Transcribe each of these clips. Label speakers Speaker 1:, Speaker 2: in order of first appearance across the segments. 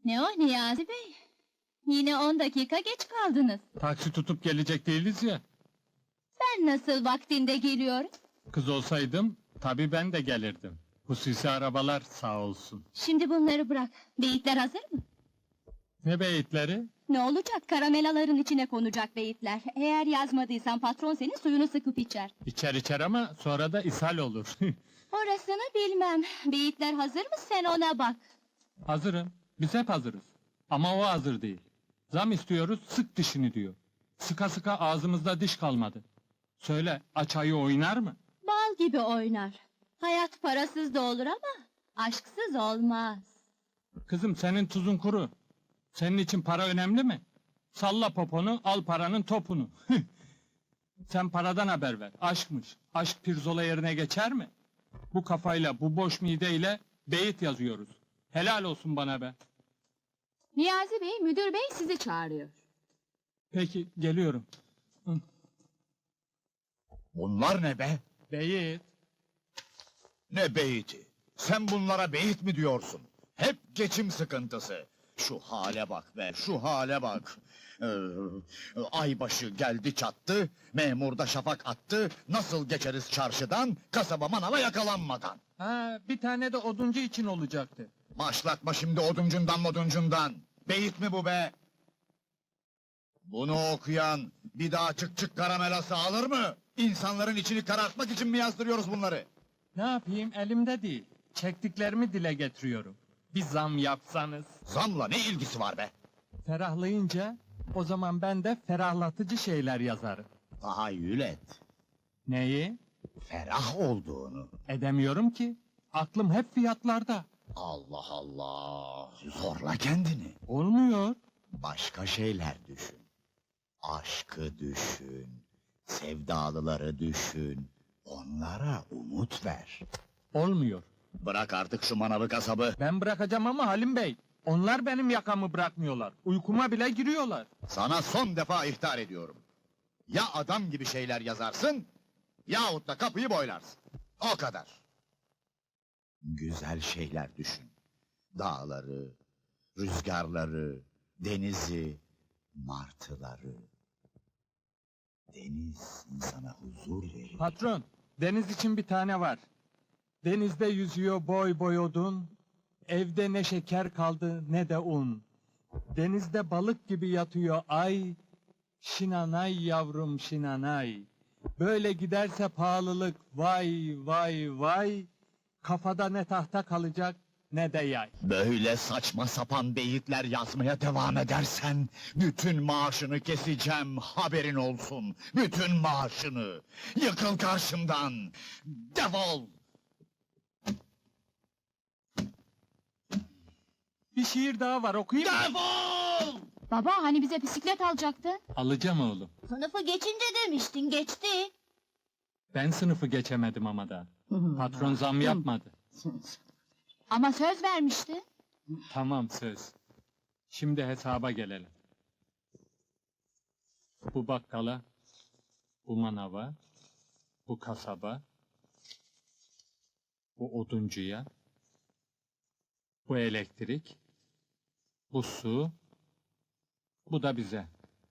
Speaker 1: Ne o Niyazi Bey? Yine 10 dakika geç kaldınız.
Speaker 2: Taksi tutup gelecek değiliz ya.
Speaker 1: Ben nasıl vaktinde geliyorum?
Speaker 2: Kız olsaydım, tabii ben de gelirdim. Hususi arabalar sağ olsun.
Speaker 1: Şimdi bunları bırak. Beyitler hazır mı?
Speaker 2: Ne beyitleri?
Speaker 1: Ne olacak? Karamelaların içine konacak beyitler. Eğer yazmadıysan patron senin suyunu sıkıp içer.
Speaker 2: İçer ama sonra da ishal olur.
Speaker 1: Orasını bilmem. Beyitler hazır mı? Sen ona bak.
Speaker 2: Hazırım, biz hep hazırız. Ama o hazır değil. Zam istiyoruz, sık dişini diyor. Sıka sıka ağzımızda diş kalmadı. Söyle, aç ayı oynar mı?
Speaker 1: Bal gibi oynar. Hayat parasız da olur ama aşksız olmaz.
Speaker 2: Kızım senin tuzun kuru. Senin için para önemli mi? Salla poponu, al paranın topunu. Sen paradan haber ver, aşkmış. Aşk pirzola yerine geçer mi? Bu kafayla, bu boş mideyle beyit yazıyoruz. Helal olsun bana be.
Speaker 1: Niyazi Bey, müdür bey sizi çağırıyor.
Speaker 2: Peki, geliyorum.
Speaker 3: Bunlar ne be?
Speaker 2: Beyit.
Speaker 3: Ne beyti? Sen bunlara beyit mi diyorsun? Hep geçim sıkıntısı. Şu hale bak be, şu hale bak. Aybaşı geldi çattı, memur da şafak attı. Nasıl geçeriz çarşıdan, kasaba manava yakalanmadan?
Speaker 2: Ha, bir tane de oduncu için olacaktı.
Speaker 3: Başlatma şimdi oduncundan. Beyit mi bu be? Bunu okuyan bir daha çık karamelası alır mı? İnsanların içini karartmak için mi yazdırıyoruz bunları?
Speaker 2: Ne yapayım, elimde değil. Çektiklerimi dile getiriyorum. Bir zam yapsanız.
Speaker 3: Zamla ne ilgisi var be?
Speaker 2: Ferahlayınca, o zaman ben de ferahlatıcı şeyler yazarım.
Speaker 3: Tahayyül et.
Speaker 2: Neyi?
Speaker 3: Ferah olduğunu.
Speaker 2: Edemiyorum ki. Aklım hep fiyatlarda.
Speaker 3: Allah Allah. Zorla kendini.
Speaker 2: Olmuyor.
Speaker 3: Başka şeyler düşün. Aşkı düşün. Sevdalıları düşün. Onlara umut ver.
Speaker 2: Olmuyor.
Speaker 3: Bırak artık şu manavı kasabı.
Speaker 2: Ben bırakacağım ama Halim Bey. Onlar benim yakamı bırakmıyorlar. Uykuma bile giriyorlar.
Speaker 3: Sana son defa ihtar ediyorum. Ya adam gibi şeyler yazarsın, yahut da kapıyı boylarsın. O kadar. Güzel şeyler düşün. Dağları, rüzgarları, denizi, martıları. Deniz insana huzur verir.
Speaker 2: Patron, deniz için bir tane var. Denizde yüzüyor boy boy odun. Evde ne şeker kaldı ne de un. Denizde balık gibi yatıyor ay. Şinanay yavrum şinanay. Böyle giderse pahalılık vay vay vay. Kafada ne tahta kalacak ne de yay.
Speaker 3: Böyle saçma sapan beyitler yazmaya devam edersen, bütün maaşını keseceğim, haberin olsun. Bütün maaşını. Yıkıl karşımdan. Defol.
Speaker 2: Bir şiir daha var okuyayım mı?
Speaker 3: Defol!
Speaker 1: Baba hani bize bisiklet alacaktın?
Speaker 2: Alacağım oğlum.
Speaker 1: Sınıfı geçince demiştin, geçti.
Speaker 2: Ben sınıfı geçemedim ama da. Patron zam yapmadı.
Speaker 1: Ama söz vermişti.
Speaker 2: Tamam söz. Şimdi hesaba gelelim. Bu bakkala, bu manava, bu kasaba, bu oduncuya, bu elektrik, bu su, bu da bize.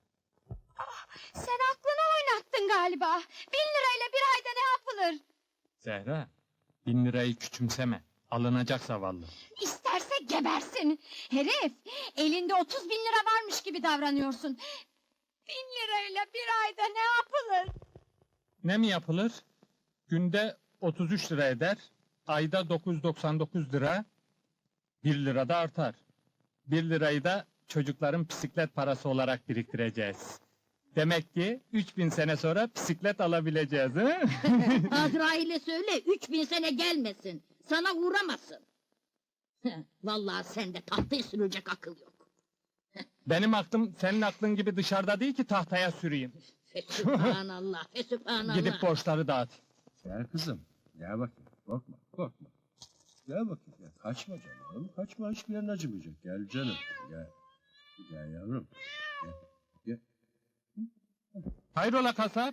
Speaker 1: Sen aklını oynattın galiba. 1.000 lirayla bir ayda ne yapılır?
Speaker 2: Zehra, 1000 lirayı küçümseme. Alınacak zavallı.
Speaker 1: İsterse gebersin. Herif, elinde 30.000 lira varmış gibi davranıyorsun. 1.000 lirayla bir ayda ne yapılır?
Speaker 2: Ne mi yapılır? Günde 33 lira eder, ayda 999 lira, 1 lira da artar. 1 lirayı da çocukların bisiklet parası olarak biriktireceğiz. Demek ki 3000 sene sonra bisiklet alabileceğiz, he?
Speaker 4: Azrail'e söyle 3000 sene gelmesin. Sana uğramasın. Vallahi sende tahtaya sürülecek akıl yok.
Speaker 2: Benim aklım senin aklın gibi dışarıda değil ki tahtaya süreyim.
Speaker 4: Fesübhanallah, fesübhanallah.
Speaker 2: Gidip borçları dağıt.
Speaker 5: Gel kızım, gel bakayım, korkma. Gel bakayım, gel. Kaçma canım, kaçma, hiçbir yerin acımayacak. Gel canım, gel yavrum, gel.
Speaker 2: Hayrola kasap?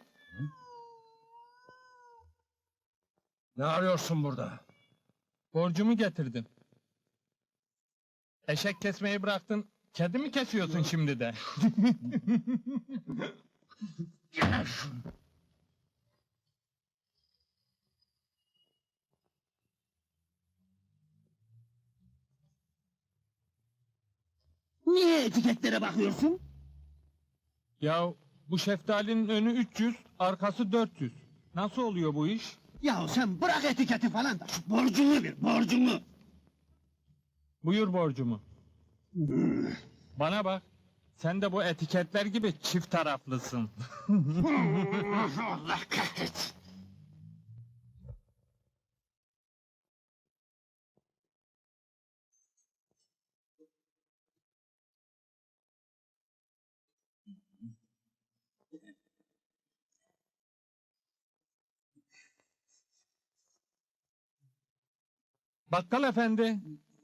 Speaker 5: Ne arıyorsun burada?
Speaker 2: Borcumu getirdim. Eşek kesmeyi bıraktın, kedi mi kesiyorsun şimdi de?
Speaker 6: Niye etiketlere bakıyorsun?
Speaker 2: Ya bu şeftalinin önü 300, arkası 400. Nasıl oluyor bu iş?
Speaker 6: Yahu sen bırak etiketi falan da şu borcunu bir, borcunu!
Speaker 2: Buyur borcumu. Bana bak, sen de bu etiketler gibi çift taraflısın.
Speaker 6: Allah kahretsin!
Speaker 2: Bakkal efendi,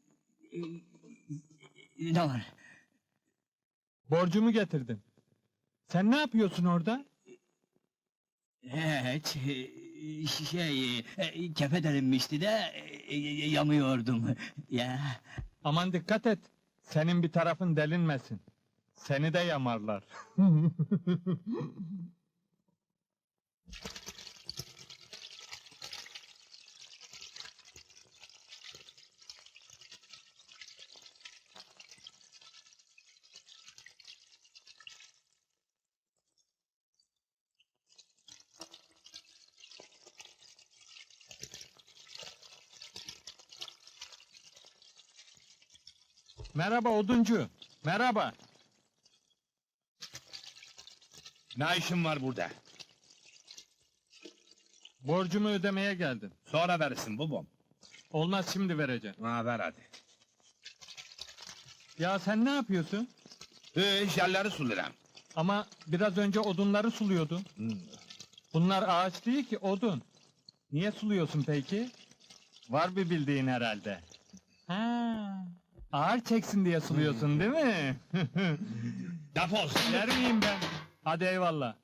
Speaker 6: Ne var?
Speaker 2: borcumu getirdim. Sen ne yapıyorsun orada?
Speaker 6: Hiç, kefe delinmişti de yamıyordum. Ya,
Speaker 2: Aman dikkat et, senin bir tarafın delinmesin. Seni de yamarlar. Merhaba oduncu, merhaba.
Speaker 7: Ne işin var burada?
Speaker 2: Borcumu ödemeye geldim.
Speaker 7: Sonra verirsin babam.
Speaker 2: Olmaz, şimdi vereceğim.
Speaker 7: Ha ver hadi.
Speaker 2: Ya sen ne yapıyorsun?
Speaker 7: Jelleri sularım.
Speaker 2: Ama biraz önce odunları suluyordun. Bunlar ağaç değil ki, odun. Niye suluyorsun peki? Var bir bildiğin herhalde. Ha, ağır çeksin diye suluyorsun değil mi?
Speaker 7: Defol.
Speaker 2: Yer miyim ben? Hadi eyvallah.